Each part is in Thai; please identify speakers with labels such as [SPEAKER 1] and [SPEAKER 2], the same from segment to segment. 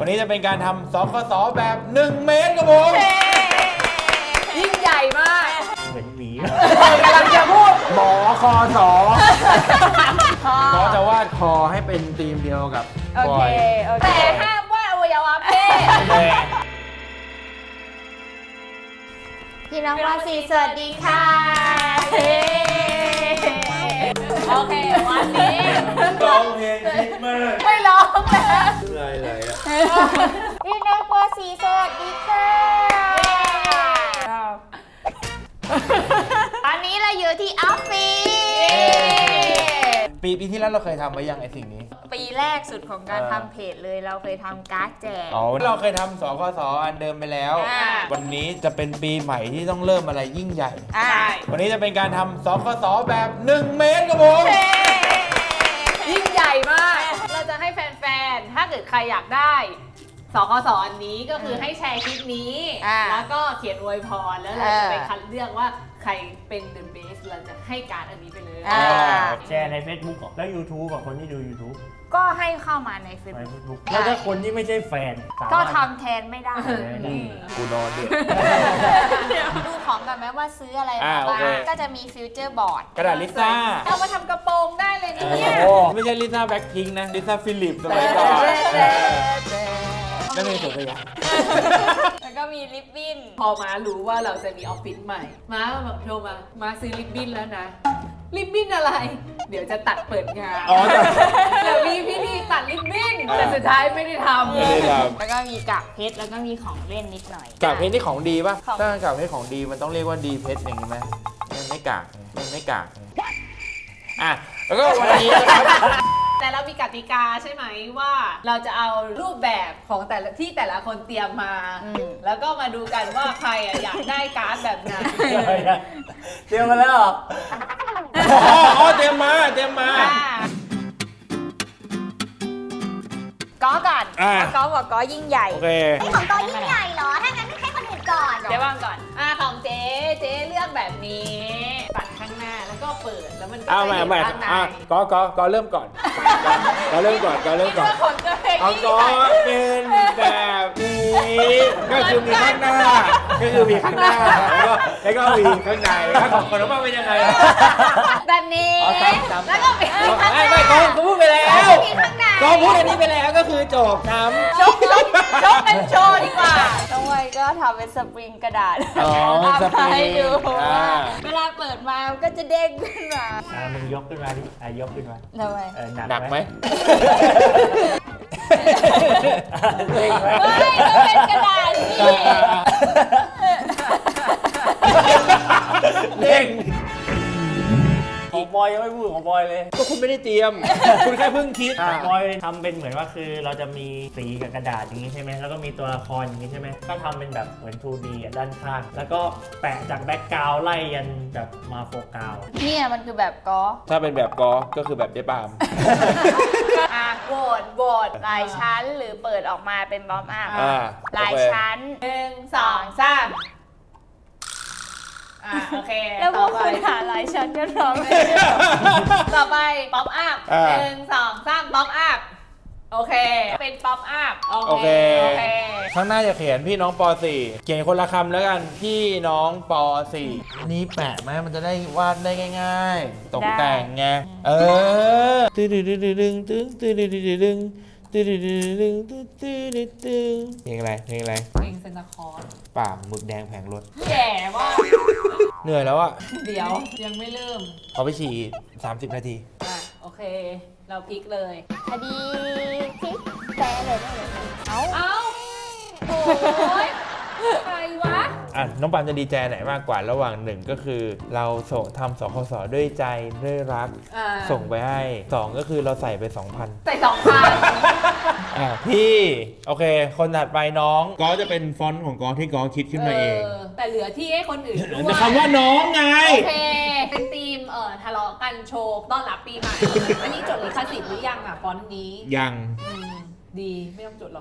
[SPEAKER 1] วันนี้จะเป็นการทำสคสแบบ1 เมตรครับผม
[SPEAKER 2] ยิ่งใหญ่มาก
[SPEAKER 3] เหมือนหมี
[SPEAKER 2] กำลังจะพูด
[SPEAKER 1] หมอคอสอก็จะวาดคอให้เป็นธีมเดียวกับ
[SPEAKER 2] โอเคแต่ห้ามวาดอวัยวะเพศ
[SPEAKER 4] พี่น้องวาสีสวัสดีค่ะ
[SPEAKER 2] โอเควันนี้
[SPEAKER 1] ร้องเพลงคิดมาก
[SPEAKER 2] ไม่ร้องแล้ว
[SPEAKER 1] อะไรอ่ะ
[SPEAKER 4] พี่น้องวาสีสวัสดีค่ะตอนนี้เราอยู่ที่ออฟฟิศ
[SPEAKER 1] ปีที่แล้วเราเคยทำไว้ยังไอสิ่งนี้
[SPEAKER 4] ปีแรกสุดของการทำเพจเลยเราเคยทำการ์ดแจก
[SPEAKER 1] อ๋อเราเคยทำสคสอันเดิมไปแล้ว วันนี้จะเป็นปีใหม่ที่ต้องเริ่มอะไรยิ่งใหญ่ วันนี้จะเป็นการทำสคสแบบ1 เมตรครับผม
[SPEAKER 2] ยิ่งใหญ่มาก เราจะให้แฟนๆ ถ้าเกิดใครอยากได้สคสอันนี้ก็คือให้แชร์คลิปนี้ แล้วก็เขียนอวยพรแล้วเราจะไปคัดเลือกว่าใครเป็น The Best เราจะให้การดอันนี้ไปเลย
[SPEAKER 3] แชร์ใน Facebook แล้ว YouTube กับคนที่ดู YouTube
[SPEAKER 4] ก็ให้เข้ามาในเฟซ
[SPEAKER 3] ใน
[SPEAKER 4] บุ๊ก
[SPEAKER 3] Facebook แล้วถ้าคนที่ไม่ใช่แฟนสามารถ
[SPEAKER 4] ก็ทำแทนไม่ได้
[SPEAKER 1] กูนอนเดือด
[SPEAKER 4] ดูของกันไหมว่าซื้ออะไร
[SPEAKER 1] อ่า
[SPEAKER 4] มา
[SPEAKER 1] โอ
[SPEAKER 4] บ้า
[SPEAKER 1] เค
[SPEAKER 4] งก็จะมีฟิวเจอร์บอร์ด
[SPEAKER 1] กระดาษลิซ่า
[SPEAKER 2] เอามาทำกระโปรงได้เลยเนี่ย
[SPEAKER 1] โอ้ไม่ใช่ลิซ่าแบ็คพิงค์นะลิซ่าฟิลิปสมัยก่อนนั่นเองตัวอย่าง
[SPEAKER 4] แล้วก็มีลิปบิ้น
[SPEAKER 2] พอมารู้ว่าเราจะมีออฟฟิศใหม่ มาแบบโทรมาซื้อลิปบิ้นแล้วนะ ลิปบิ้นอะไร เดี๋ยวจะตัดเปิดงาน
[SPEAKER 1] อ๋อแต่
[SPEAKER 2] เดี๋ยวมีพี่นี่ตัดลิปบิ้น แต่สุดท้ายไม่ได้ทำ
[SPEAKER 1] ไม่ได้ท
[SPEAKER 4] แล้วก็มีกากเพชรแล้วก็มีของเล่นนิดหน่อย
[SPEAKER 1] ำกากเพชรนี่ของดีป่ะ
[SPEAKER 4] ของ
[SPEAKER 1] ถ้ากากเพชรของดีมันต้องเรียกว่าดีเพชรอย่างนี้ไหมมันไม่กากมันไม่กากอ่ะแล้วก็วันนี้นะครับ
[SPEAKER 2] แต่เรามีกติกาใช่ไหมว่า เราจะเอารูปแบบของแต่ละคนเตรียมมา แล้วก็มาดูกันว่าใครอยากได้การ์ดแบบไหน
[SPEAKER 3] เตรียมมาแล้วเหรอ
[SPEAKER 1] อ๋อเตรียมมา
[SPEAKER 4] ก้อก่อน
[SPEAKER 1] อ่ะ
[SPEAKER 4] ก้อบอกก้อยิ่งใหญ่
[SPEAKER 1] โอเค
[SPEAKER 4] นี่ของก้อยิ่งใหญ่เหรอ ถ้างั้นให้คนอื่นก่อน
[SPEAKER 2] เจ๊ว่างก่อนของเจ๊เลือกแบบนี้ปัดข้างหน้าแล้วก็เปิดแล้วมันก็
[SPEAKER 1] เอา
[SPEAKER 2] จะ
[SPEAKER 1] ใหม่
[SPEAKER 2] เห็น
[SPEAKER 1] ใหม่
[SPEAKER 2] ข้างใน
[SPEAKER 1] อ่ะก็เริ่มก่อนก็เริ่มก่อน
[SPEAKER 2] คิดว่าคนจะเป็น
[SPEAKER 1] เอาก็เป็นแบบนี้ก็คือมีข้างหน้า แล้วก็มีข้างในถ้าของคนน้องป้าเป็นยังไง
[SPEAKER 4] แบบนี้
[SPEAKER 1] อ๋อซ้ำ
[SPEAKER 4] แล้วก็มีข้างหน้า
[SPEAKER 1] ไม่ก็พูดไปแล้ว
[SPEAKER 4] มีข้างใน
[SPEAKER 1] ก็พูดอันนี้ไปแล้วก็คือจบน้ำ
[SPEAKER 2] ชกเป็นโชว์ดีกว่า
[SPEAKER 4] น้องไวก็ทำเป็นสปริงกระดาษ
[SPEAKER 1] อ๋อ
[SPEAKER 4] ทำให้ดู
[SPEAKER 1] สปริงอ่า
[SPEAKER 4] เวลาเปิดมามันก็จะเด้งขึ้นมา
[SPEAKER 3] มึงยกขึ้นมาดิยกขึ้นมา
[SPEAKER 4] ทำไม
[SPEAKER 1] หนักไหม
[SPEAKER 3] เล่งไหม
[SPEAKER 4] ไม่ก็เป็นกระดาษสิ
[SPEAKER 1] เด้ง
[SPEAKER 3] ของบอยยังไม่พูดของบอยเลย
[SPEAKER 1] ก็คุณไม่ได้เตรียม คุณแค่เพิ่งคิด
[SPEAKER 3] ของบอยทำเป็นเหมือนว่าคือเราจะมีสีกับกระดาษอย่างนี้ใช่ไหมแล้วก็มีตัวละครอย่างนี้ใช่ไหมก็ทำเป็นแบบเหมือน 2D อ่ะด้านข้าง แล้วก็แปะจากแบ็กกราวด์ไล่ยันแบบมาโฟกัส
[SPEAKER 4] เนี่ยมันคือแบบก้อ
[SPEAKER 1] ถ้าเป็นแบบก็คือแบบเจ๊ปาม
[SPEAKER 4] โหวตหลายชั้นหรือเปิดออกมาเป็นบอมอัพ
[SPEAKER 1] อ่า
[SPEAKER 4] หลายชั้น
[SPEAKER 2] 1 2 3โอเค
[SPEAKER 4] แล้วพ
[SPEAKER 2] ต่
[SPEAKER 4] ว
[SPEAKER 2] อก ไป
[SPEAKER 4] คุณหาหลายชั้นกันร้องเลย
[SPEAKER 2] ต่อไปป๊อปอัพ
[SPEAKER 1] อ่า
[SPEAKER 2] 1 2 3ป๊อปอัพโอเค เป็นป๊อปอัพ
[SPEAKER 1] โอเค
[SPEAKER 2] โอเค
[SPEAKER 1] ข้างหน้าจะเขียนพี่น้องป .4 เขียนคนละคำแล้วกัน พี่น้องป .4 นี่แปะไหมมันจะได้วาดได้ง่ายๆ ตกแต่งไง ตึ้งตึ้งตึ้งตึ้งตึ้งตึ้งตึ้งตึ้งตึ้งตึ้งตึ้งตึ้งตึ้งตึ้งเพลงอะไรเพลงอะไร
[SPEAKER 2] เพลงเซนตาคอร์ส
[SPEAKER 1] ป่าหมึกแดงแผงรถ
[SPEAKER 2] แย่ว่า
[SPEAKER 1] เหนื่อยแล้วอะ
[SPEAKER 2] เดี๋ยวยังไม่เริ่ม
[SPEAKER 1] เอาไปฉี่30 นาที
[SPEAKER 2] โอเค เราพลิกเลย
[SPEAKER 4] คดีพลิกแปลเลยได้เลยเอ้า
[SPEAKER 2] เอ้าโอ้ยใครวะ
[SPEAKER 1] อ่ะน้องปานจะดีใจไหนมากกว่าระหว่างหนึ่งก็คือเราทำสคสด้วยใจด้วยรัก ส่งไปให้2ก็คือเราใส่ไป 2,000
[SPEAKER 2] ใส่2,000
[SPEAKER 1] พี่โอเค คนถัดไปน้องก็จะเป็นฟอนต์ของกอที่กอคิดขึ้นมาเอง
[SPEAKER 2] แต่เหลือที่ให้คนอื่นด้วย
[SPEAKER 1] แต่คำว่าน้องไง
[SPEAKER 2] โอเค เป็นทีมทะเลาะกันโชว์ต้อนรับปีใหม่ อันนี้จดลิขสิทธิ์หรือยังฟอนต์นี้
[SPEAKER 1] ยัง
[SPEAKER 2] ดีไม่ต้องจดหรอก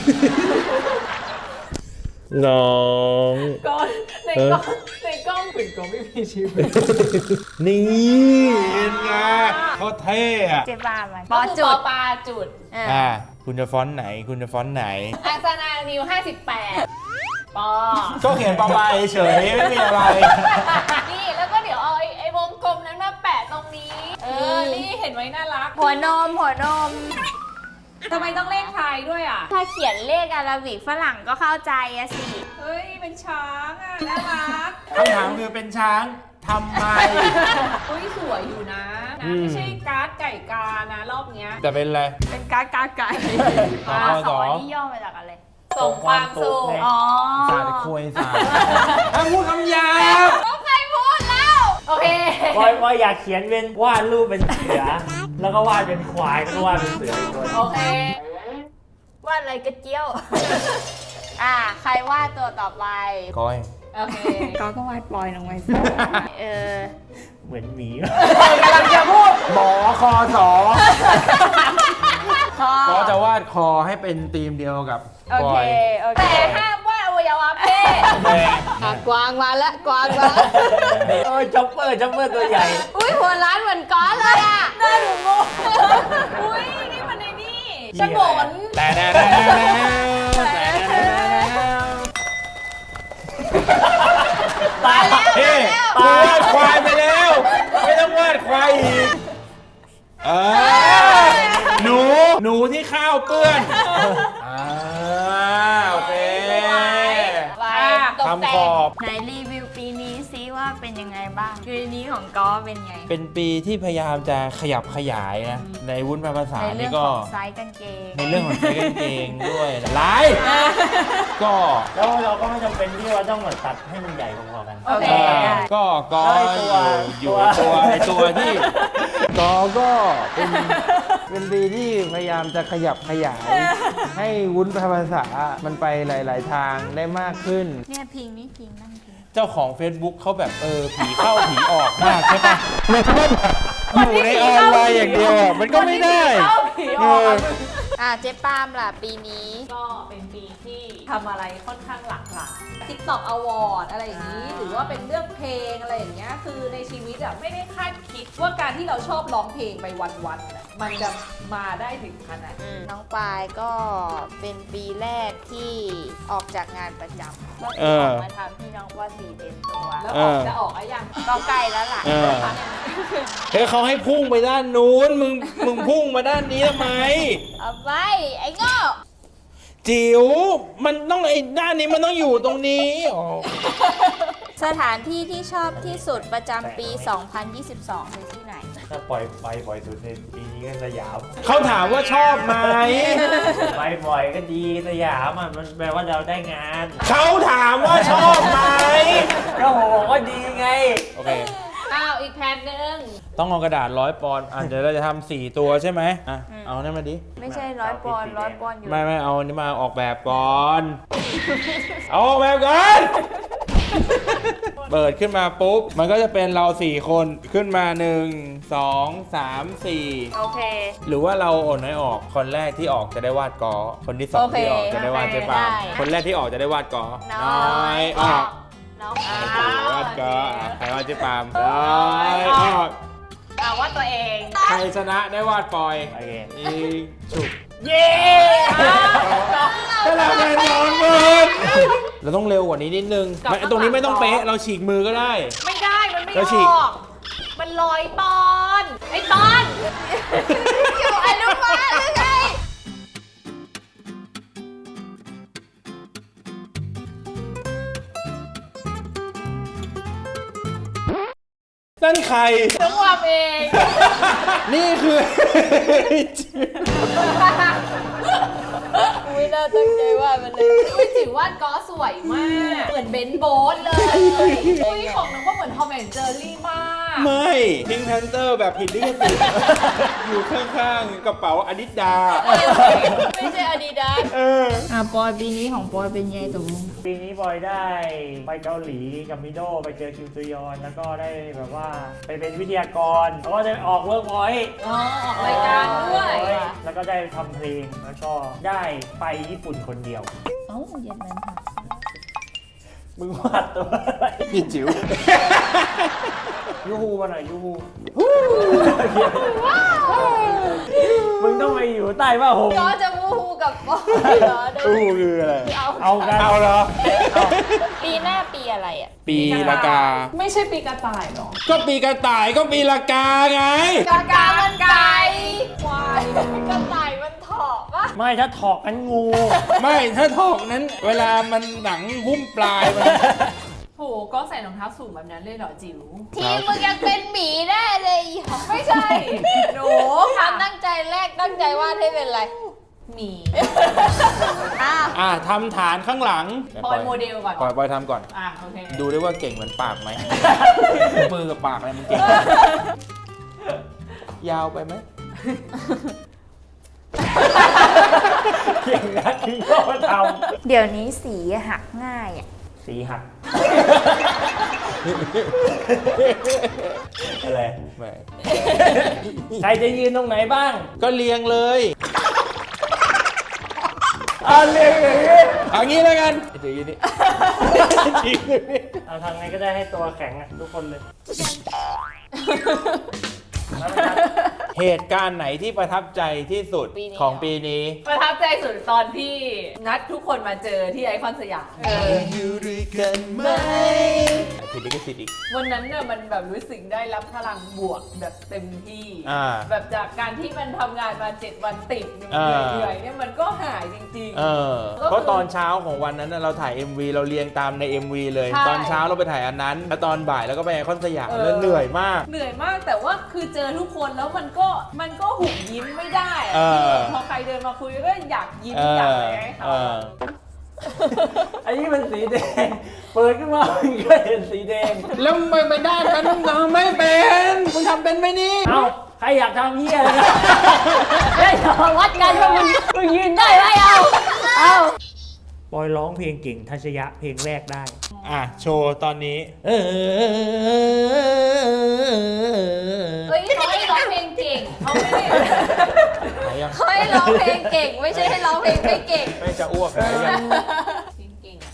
[SPEAKER 1] น้อง
[SPEAKER 2] ก้อนในกล้องเหมือนก็ไม่มีชีวิต
[SPEAKER 1] นี่เห็นไงเขาเท่อะ
[SPEAKER 4] เจ๊บ้าไหม
[SPEAKER 2] ปอจุดปาจุด
[SPEAKER 1] อ่าคุณจะฟอนต์ไหน คุณจะฟอนต์ไหน
[SPEAKER 2] อังสนานิว58ปอ
[SPEAKER 1] ก็เขียนประมาณเฉยๆไม่มีอะไร
[SPEAKER 2] นี่แล้วก็เดี๋ยวเอาไอ้วงกลมนั้นมาแปะตรงนี้ นี่เห็นไว้น่ารัก
[SPEAKER 4] หัวนม
[SPEAKER 2] ทำไมต้องเลขไทยด้วยอ่ะ
[SPEAKER 4] ถ้าเขียนเลขอาราบิกฝรั่งก็เข้าใจอะสิ
[SPEAKER 2] เฮ้ย เป็นช้างอ่ะ น่ารัก
[SPEAKER 1] คำถามคือเป็นช้างทำไม
[SPEAKER 2] เฮ้ย สวยอยู่นะ ไม่ใช่การ์ดไก่กานะ รอบเนี้ย
[SPEAKER 1] แต่เป็นอะไร
[SPEAKER 4] เป็นการไก่
[SPEAKER 1] สอ
[SPEAKER 4] สองนี่ย่อมาจากอะไร
[SPEAKER 2] ส่งความสุข
[SPEAKER 4] อ๋อ
[SPEAKER 1] ศาสตร์คุยศาสตร์ถ้าพูดคำหยาบ
[SPEAKER 2] ต้องใครพูดแล้ว โอเค
[SPEAKER 3] ว่าอยากเขียนเป็นวาดรูปเป็นเสือ แล้วก็วาดเป็นควายแล้วก็วาดเป็นเสืออีกตัว
[SPEAKER 2] โอเค
[SPEAKER 4] ว่าอะไรกระเจียว ใครวาดตัวต่อไป
[SPEAKER 1] ก้อย
[SPEAKER 2] โอเค
[SPEAKER 4] ก็วาดปลอยลงไปสิ
[SPEAKER 3] เหมือนหมี
[SPEAKER 2] กำลังจะพูด
[SPEAKER 1] หมอคอสอ
[SPEAKER 4] คอ
[SPEAKER 1] ก็จะวาดคอให้เป็นธีมเดียวกับ
[SPEAKER 4] โอ
[SPEAKER 1] ก้
[SPEAKER 4] เค
[SPEAKER 1] อย
[SPEAKER 4] โอเค
[SPEAKER 2] แต่ห้ามว่าอวัยวะเพศ
[SPEAKER 4] กวางมาละกวางมา
[SPEAKER 3] โอ้ยจ็อปเปอร์ตัวใหญ่
[SPEAKER 4] อุ้ยหัวร้านเหมือนก้อนเลยอ่ะ
[SPEAKER 2] น่าหนูงงอุ้ย นี่มันในนี่ฉงน
[SPEAKER 1] แต่
[SPEAKER 3] ตายแล้ว
[SPEAKER 1] เฮ้กูวาดควายไปแล้ว ไม่ต้องวาดควายอีกหนูที่ข้าวเปื้อนโอเค
[SPEAKER 4] ไป
[SPEAKER 1] ทำขอบ
[SPEAKER 4] ไหนรีวิวปีนี้ซิว่าเป็นยังไงบ้างปีนี้ของก้อเป็นไง
[SPEAKER 1] เป็นปีที่พยายามจะขยับขยายนะ ในวุ้นภาษา
[SPEAKER 4] ในเรื่
[SPEAKER 1] นี่
[SPEAKER 4] อง
[SPEAKER 1] ก็
[SPEAKER 4] ของไซส์กางเกง
[SPEAKER 1] ในเรื่องของใช้กางเกงด้วยหลายก็
[SPEAKER 3] แล้วเราก็ไม่จำเป็นที่ว่าต้องแบบตัดให้มันใหญ่พอๆกัน
[SPEAKER 2] โอเค
[SPEAKER 1] ก็
[SPEAKER 3] แล้วไอ้ตัว
[SPEAKER 1] อยู่ในตัวที่ก็เป็นปีที่พยายามจะขยับขยาย ให้วุ้นภาษามันไปหลาย ๆ ทางได้มากขึ้น
[SPEAKER 4] เนี่ยพิงนี่พิงนั่งพิง
[SPEAKER 1] เจ้าของ Facebook เขาแบบผีเข้าผีออกมากใช่ปะอยู่ในออนไลน์อย่างเดียวอะมันก็ไม่ได้
[SPEAKER 2] เข้าผีออก
[SPEAKER 4] เจ๊ปามล่ะปีนี้
[SPEAKER 2] ก็เป็นปีที่ทำอะไรค่อนข้างหลากหลาย TikTok Award อะไรอย่างนี้ หรือว่าเป็นเรื่องเพลงอะไรอย่างเงี้ย คือในชีวิตอะไม่ได้คาดคิดว่าการที่เราชอบร้องเพลงไปวันๆอะมันจะมาได้ถึงขนาดนี้
[SPEAKER 4] น้องปายก็เป็นปีแรกที่ออกจากงานประจำก็
[SPEAKER 1] เอ
[SPEAKER 4] อ
[SPEAKER 1] อ
[SPEAKER 4] อกมาทำที่น้องว่าสีเต็มตัว
[SPEAKER 2] แล้ว
[SPEAKER 1] เออ
[SPEAKER 2] จะออกอะไรยัง
[SPEAKER 4] ก็ใกล้แล้วล่ะ
[SPEAKER 1] เออ เฮ้ยเขาให้พุ่งไปด้านนู้นมึงพุ่งมาด้านนี้ทำไม
[SPEAKER 4] เอาไปไอ้โง่
[SPEAKER 1] จิ๋วมันต้องไอ้ด้านนี้มันต้องอยู่ตรงนี้อ๋อ
[SPEAKER 4] สถานที่ที่ชอบที่สุดประจำปี 2022 คือที่ไหน
[SPEAKER 3] ถ้าปล่อยไปบ่อยสุดในปีนี้ก็สยาม
[SPEAKER 1] เขาถามว่าชอบไหม
[SPEAKER 3] ไปบ่อยก็ดีสยามมันแปลว่าเราได้งาน
[SPEAKER 1] เขาถามว่าชอบไหม
[SPEAKER 3] ก็โหก็ดีไง
[SPEAKER 1] โอเค
[SPEAKER 2] อ้าว อีกแผ่นหนึ่ง
[SPEAKER 1] ต้องเอากระดาษ100 ปอนด์เดี๋ยวเราจะทำ4 ตัวใช่ไหมเอานั่นมาดิ
[SPEAKER 4] ไม่ใช่100 ปอนด์100 ปอนด์อยู่
[SPEAKER 1] ไม่เอาอันนี้มาออกแบบก่อน เอาออกแบบก่อน เปิดขึ้นมาปุ๊บ มันก็จะเป็นเรา4 คนขึ้นมา 1 2 3 4
[SPEAKER 4] โอเค
[SPEAKER 1] หรือว่าเราโอนน้อยออกคนแรกที่ออกจะได้วาดกอคนที่สอง
[SPEAKER 2] โอเค
[SPEAKER 1] ที่ออกจะได้วาดเจ๊ปาล์ม
[SPEAKER 4] ได้
[SPEAKER 1] คนแรกที่ออกจะได้วาดกอ
[SPEAKER 4] น้อย
[SPEAKER 1] ออก
[SPEAKER 4] น้อง
[SPEAKER 1] วาดกอใครวาดเจ๊ปาล์มน้อยออก
[SPEAKER 2] ว่าตัวเอง
[SPEAKER 1] ใครชนะได้วาดปอย
[SPEAKER 3] โอเค
[SPEAKER 1] อีฉุก
[SPEAKER 3] เย้
[SPEAKER 1] ก็เราเป็นน้องมือเราต้องเร็วกว่านี้นิดนึงตรงนี้ไม่ต้องเป๊ะเราฉีกมือก็ได้
[SPEAKER 2] ไม่ได้ มันไม่
[SPEAKER 1] แล้วฉี
[SPEAKER 2] อก อก มันลอยปอนไอ้ปอน
[SPEAKER 4] อยู่อนุบาลหรือไง
[SPEAKER 1] นั่นใคร
[SPEAKER 2] ต้องวางเอง
[SPEAKER 1] นี่คือ
[SPEAKER 4] ไม่น่าตั้งใจว่ามันเลย
[SPEAKER 2] อุ้ยจิ๋ววาดก็สวยมาก เหมือนเบนซ์โบ๊ทเลยอุ้ยของน้องก็เหมือนทอมแอนด์เจอรี่มาก
[SPEAKER 1] ไม่พิงแพนเตอร์แบบผิดลิขสิทธิ์ อยู่ข้างๆกระเป๋าอดิดา
[SPEAKER 4] ไม่ใช่อาดิดาสปอยปีนี้ของปอยเป็นไงตกลง
[SPEAKER 3] ปีนี้บอยได้ไปเกาหลีกับมิโดไปเจอคิวซยอนแล้วก็ได้แบบว่าไปเป็นวิทยากรแล้วก็ได้ออกเวิร์กพอยต์
[SPEAKER 2] อ๋อออกรายการด้วย
[SPEAKER 3] แล้วก็ได้ทำเพลงแล้วก็ได้ไปญี่ปุ่นคนเดียว
[SPEAKER 4] เอ้าเย็นนั้นค่ะ
[SPEAKER 3] มึงวาดตัวอะไร
[SPEAKER 1] พี่จิ๋ว
[SPEAKER 3] ยูฮูมาหน่อยยูฮูมึงต้องไปอยู่ใต้ผ้าห่ม
[SPEAKER 4] ก็จะมูฮูกับปอยเหรอ
[SPEAKER 1] ตู้คืออะไร
[SPEAKER 3] เอากัน
[SPEAKER 1] เอาเหรอ
[SPEAKER 4] ปีหน้าปีอะไรอ่ะ
[SPEAKER 1] ปีละกา
[SPEAKER 2] ไม่ใช่ปีกระต่ายหรอ
[SPEAKER 1] ก็ปีกระต่ายก็ปีละกาไง
[SPEAKER 4] กากามันไก่ควายกระต่ายมันเถาะปะ
[SPEAKER 3] ไม่ถ้าถอกกันงู
[SPEAKER 1] ไม่ถ้าถอกนั้น เวลามันหนังหุ้มปลายมัน
[SPEAKER 2] โหก็ใส่รองเท้าสูงแบบนั้นเลยเหรอจิ๋ว
[SPEAKER 4] ทีมมึงยังเป็นหมีได้เลยอีห
[SPEAKER 2] ไม่ใช่หนู
[SPEAKER 4] ความตั้งใจแรกตั้งใจวาดให้เป็นอะไร
[SPEAKER 2] หมี
[SPEAKER 4] อ้าว
[SPEAKER 1] ทำฐานข้างหลัง
[SPEAKER 2] ปอยโมเดลก่อน
[SPEAKER 1] ปอยทำก่อน
[SPEAKER 2] โอเค
[SPEAKER 1] ดูได้ว่าเก่งเหมือนปากไหม มือกับปากอะไรมันเก่ง ยาวไปไหม
[SPEAKER 3] เก่งนะที่ก็ท
[SPEAKER 4] เดี๋ยวนี้สีหักง่ายอ่ะ
[SPEAKER 3] ำสีหัก อะไร
[SPEAKER 1] ไม่
[SPEAKER 3] ใครจะยืนตรงไหนบ้าง
[SPEAKER 1] ก็เรียงเลย
[SPEAKER 3] เรียงอย่างนี้
[SPEAKER 1] เอางี้แล้วกันเดี๋ยวยืนนี่
[SPEAKER 3] เอาทำไงก็ได้ให้ตัวแข็งอะทุกคนเลย
[SPEAKER 1] เหตุการณ์ไหนที่ประทับใจที่สุด
[SPEAKER 4] ปีนี้
[SPEAKER 1] ของปีนี้
[SPEAKER 2] ประทับใจสุดตอนที่นัดทุกคนมาเจอที่ไอคอนสยาม
[SPEAKER 1] อยู่ด้วยกันไหมผิดลิขสิทธิ์อีก
[SPEAKER 2] วันนั้นเนี่ยมันแบบรู้สึกได้รับพลังบวกแบบเต็มที่ แบบจากการที่มันทำงานมา7 วันติดเหนื่อยๆเนี่ยมันก็หายจริงๆ
[SPEAKER 1] เพราะตอนเช้าของวันนั้นน่ะเราถ่าย MV เราเรียงตามใน MV เลย
[SPEAKER 2] ใช่
[SPEAKER 1] ตอนเช้าเราไปถ่ายอันนั้น แล้วตอนบ่ายแล้วก็ไปไอคอนสยามแล้วเหนื่อยมาก
[SPEAKER 2] เหนื่อยมากแต่ว่าคือเจอทุกคนแล้วมันก็หุบยิ้มไม่ได้อะ
[SPEAKER 1] เออ
[SPEAKER 2] พอใครเดินมาคุยก็อยากยิ้มอยากอะไรให้เขา
[SPEAKER 3] อันนี้มันสีแดง เปิดขึ้นมามันก็เห็นสีแดง
[SPEAKER 1] แล้วไม่ได้กันทำไม่เป็นมึงทำเป็นไหมนี่
[SPEAKER 3] เอ้า ใครอยากทำเหี้ยอะไรนะได้ยอม
[SPEAKER 4] วัดกันว่ามึงยืนได้ไหมเอา
[SPEAKER 3] บอยร้องเพลงเก่งทัชยะเพลงแรกได้
[SPEAKER 1] โชว์ตอนนี้
[SPEAKER 2] เฮ้ยเขาให้ร้องเพลงเก่งเขาไม่ได้
[SPEAKER 1] ไหนยัง
[SPEAKER 4] เขาให้ร้องเพลงเก่ง ไม่ใช่ให้ร้องเพลงไม่เก่ง
[SPEAKER 1] ไม่จะอ้วกไหนยัง
[SPEAKER 2] เก่ง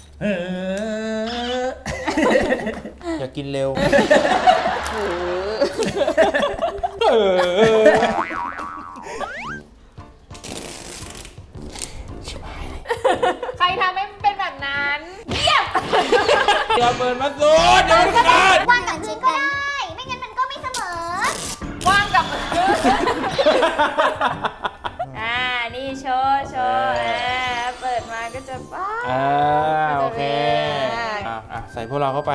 [SPEAKER 1] อย่ากินเร็ว
[SPEAKER 2] ใครทำให้มันเป็นแบบนั้นเยี่ยม
[SPEAKER 1] อย่าเปิดมาสูดเดี๋ยวมันขาด
[SPEAKER 5] วางกับชิ้นก็ได้ ไม่งั้นมันก็ไม่เสมอ
[SPEAKER 2] ว่างกับ
[SPEAKER 4] นี่โชว์เปิดมาก็จะป้า
[SPEAKER 1] โอเคใส่พวกเราเข้าไป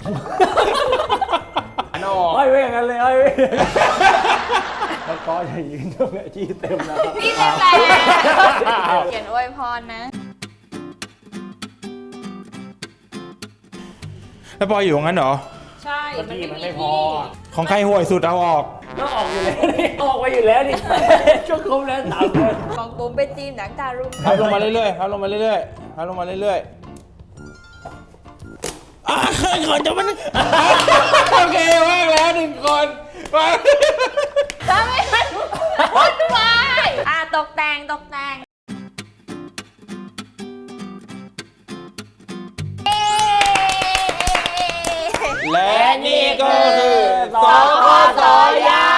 [SPEAKER 1] อันออก
[SPEAKER 3] ห้อยไว้อย่างนั้นเลยห้อยไว้แล้วก็จะยืนตรงนี้ที่เต็มแล้วครับ
[SPEAKER 4] พี่เป็นไรเขียนอวยพรนะ
[SPEAKER 1] แล้วปอยอยู่งั้นเหรอ
[SPEAKER 2] ใช่
[SPEAKER 3] เมื่อกี้มันไม่พอ
[SPEAKER 1] ของใครห่วยสุดเอาออก
[SPEAKER 3] ก็ออกอยู่แล้วนี่ออกไปอยู่แล้วนี่ช่วงครบแล้ว3 คน
[SPEAKER 4] ของปุ้มเป็นทีมหนังตารุ่ง
[SPEAKER 1] พับลงมาเรื่อยๆพับลงมาเรื่อยๆพับลงมาเรื่อยๆขอจะมันโอเคว่างแล้ว1 คนว่าง
[SPEAKER 4] ทำให้มันวุ่นวายตกแต่ง
[SPEAKER 1] และนี่ก็คือสคสยา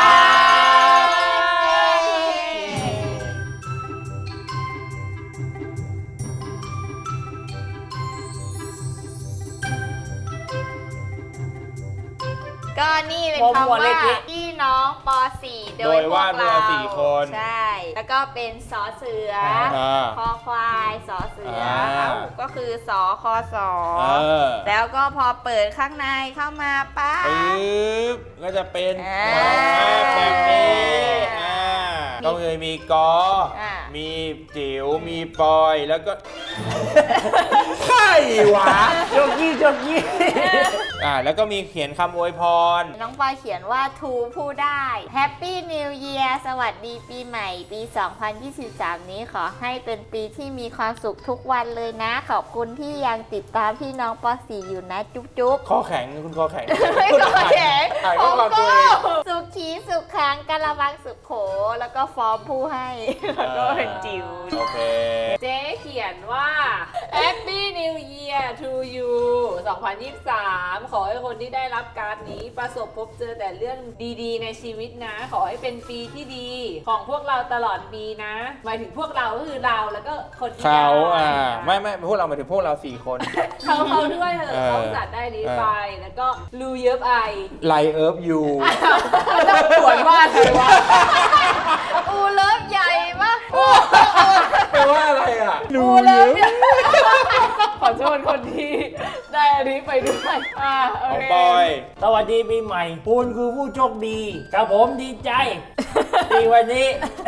[SPEAKER 4] ก็นี่เป็นคำว่าพี่น้องป .4 โด
[SPEAKER 1] โด
[SPEAKER 4] ย
[SPEAKER 1] ย
[SPEAKER 4] พว
[SPEAKER 1] วาก ด
[SPEAKER 4] เรา
[SPEAKER 1] เรา4 คน
[SPEAKER 4] ใช่ แล้วก็เป็นสอเสือ คอควายสอเสือก็คือสอคอสอแล้วก็พอเปิดข้างในเข้ามาปั๊บ
[SPEAKER 1] ปึ๊บก็จะเป็น
[SPEAKER 4] อ่า
[SPEAKER 1] แบบนี้ก็เลยมีกอ
[SPEAKER 4] อ่า
[SPEAKER 1] มีจิ๋วมีปอยแล้วก็ใครวะ
[SPEAKER 3] โจกี้
[SPEAKER 1] แล้วก็มีเขียนคำอวยพร
[SPEAKER 4] น้องปอยเขียนว่าทูผู้ได้ Happy New Year สวัสดีปีใหม่ปี 2023 นี้ขอให้เป็นปีที่มีความสุขทุกวันเลยนะ ขอบคุณที่ยังติดตามพี่น้องป .4 อยู่นะจุ๊บจุ๊บ
[SPEAKER 1] ข้อแข็งคุณข้อแข็ง
[SPEAKER 4] ไม่ก็แข็ง
[SPEAKER 1] ถ่าย
[SPEAKER 4] ผ
[SPEAKER 1] ข้อ
[SPEAKER 4] ม
[SPEAKER 1] ความ
[SPEAKER 4] ก็
[SPEAKER 1] ตัวเอง
[SPEAKER 4] สุขีสุขขังกะละวังสุขโข แล้วก็ฟอร์มผู้ให้ แล้วก็เป็นจิ๋ว
[SPEAKER 1] โอเค
[SPEAKER 2] เจ๊เขียนว่า Happy New Year to you 2023 ขอให้คนที่ได้รับการ์ดนี้ประสบพบเจอแต่เรื่องดีๆ ในชีวิตนะ ขอให้เป็นปีที่ดีของพวกเราตลอดปีนะ หมายถึงพวกเราก็คือเราแล้วก็คนที่
[SPEAKER 1] เขา
[SPEAKER 2] ได้
[SPEAKER 1] ไม่พวกเราหมายถึงพวกเรา4 คน
[SPEAKER 2] เขาด้วยเถอะเขาจัดได้นี้ไป แล้วก็ลูเยิบไอ
[SPEAKER 1] ไลเอิร์ฟยู
[SPEAKER 2] ต้องปวดว่าอะไรวะ
[SPEAKER 4] อูเลิฟใหญ่ปะ
[SPEAKER 1] แปลว่าอะไรอ่ะ
[SPEAKER 2] อูเลิฟเนี่ยขอโทษคนที่ได้อันนี้ไปด้วยโอ
[SPEAKER 1] ของ
[SPEAKER 2] เค
[SPEAKER 1] ปอย
[SPEAKER 3] สวัสดีปีใหม่คุณคือผู้โชคดีกับผมดีใจที่วันนี้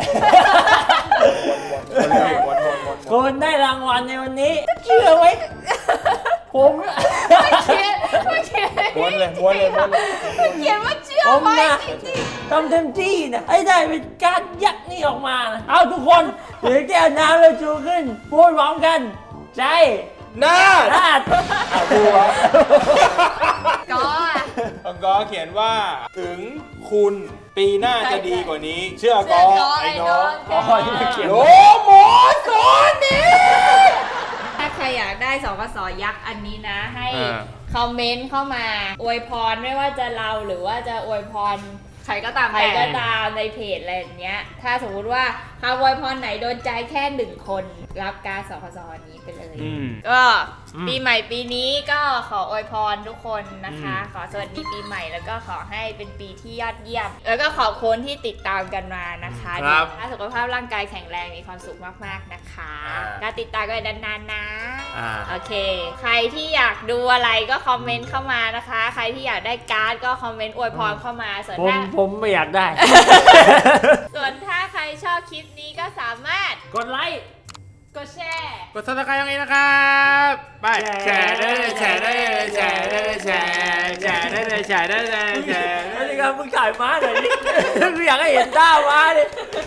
[SPEAKER 1] วน
[SPEAKER 3] คุณได้รางวัลในวันนี้ เชื่อไหมผม
[SPEAKER 2] ไม่เขียน
[SPEAKER 1] วนเลย
[SPEAKER 2] เขียนว่าเชื่อ
[SPEAKER 3] ผม
[SPEAKER 2] ไหม
[SPEAKER 3] นะทำเต็มที่นะให้ได้เป็นการยักษ์นี่ออกมานะเอาทุกคนถือแก้วน้ำแล้วชูขึ้นพูดพร้อมกันใจ
[SPEAKER 1] นาด
[SPEAKER 3] นาด
[SPEAKER 1] ดูวะ
[SPEAKER 4] ก็
[SPEAKER 1] ของกอเขียนว่าถึงคุณปีหน้าจะดีกว่านี้ เชื่อกอไอ้น้อง
[SPEAKER 3] อ๋อที่มันเขียน
[SPEAKER 1] โลโมสอนนี่
[SPEAKER 4] ถ้าใครอยากได้สกสยักษ์อันนี้นะ ให้
[SPEAKER 1] อ่า
[SPEAKER 4] คอมเมนต์เข้ามาอวยพรไม่ว่าจะเราหรือว่าจะอวยพร
[SPEAKER 2] ใครก็ตาม
[SPEAKER 4] ใครก็ตามในเพจอะไรอย่างเงี้ย ถ้าสมมุติว่าคำอวยพรไหนโดนใจแค่1 คนรับการสคสนี้ไปเลย ก็ปีใหม่ปีนี้ก็ขออวยพรทุกคนนะคะ ขอสวัสดีปีใหม่แล้วก็ขอให้เป็นปีที่ยอดเยี่ยม แล้วก็ขอบคุณที่ติดตามกันมานะคะ
[SPEAKER 1] ครับ
[SPEAKER 4] สุขภาพร่างกายแข็งแรงมีความสุขมากๆนะคะก็ติดตามกันนานๆนะ โอเค ใครที่อยากดูอะไรก็คอมเมนต์เข้ามานะคะ ใครที่อยากได้การ์ดก็คอมเมนต์อวยพรเข้ามาส่วน
[SPEAKER 3] ผมไม่อยากได้
[SPEAKER 4] ส่วนถ้าใครชอบคลิปนี้ก็สามารถ
[SPEAKER 3] กดไลค์
[SPEAKER 2] กดแชร์
[SPEAKER 1] กดซับสไครต์ตรงนี้นะครับไปแชร์ได้เลยแชร์ได้เลยแชร์ได้เลยแชร์ได้เลยแชร์ได้เลยแชร์
[SPEAKER 3] อันนี้ครับมึงถ่ายม้าหน่อยดิกูอยากให้เห็นหน้าม้าดิ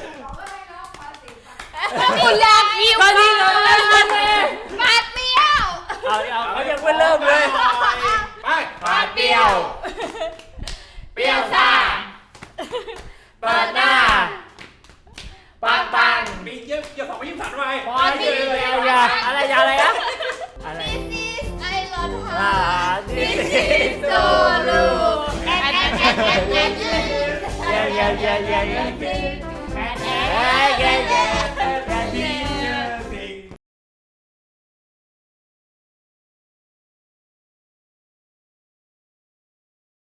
[SPEAKER 4] คุณอยากยิ้ม
[SPEAKER 3] ตอนนี้เรา
[SPEAKER 4] ปาเปรี้ยว
[SPEAKER 3] เขายังไม่เริ่มเลย
[SPEAKER 1] ไป
[SPEAKER 3] ปาเปรี้ยว
[SPEAKER 4] เปรี้ยวซ่า
[SPEAKER 3] เปิดหน้า ปังปัง
[SPEAKER 1] ปีเยี่ยมอย่า2 23ไป
[SPEAKER 3] พอดีอะไรอะไรนะอะไร
[SPEAKER 4] ไอรอนฮา
[SPEAKER 3] นี่
[SPEAKER 4] โซลูแอนแอนแอนแอนแอน
[SPEAKER 3] เย้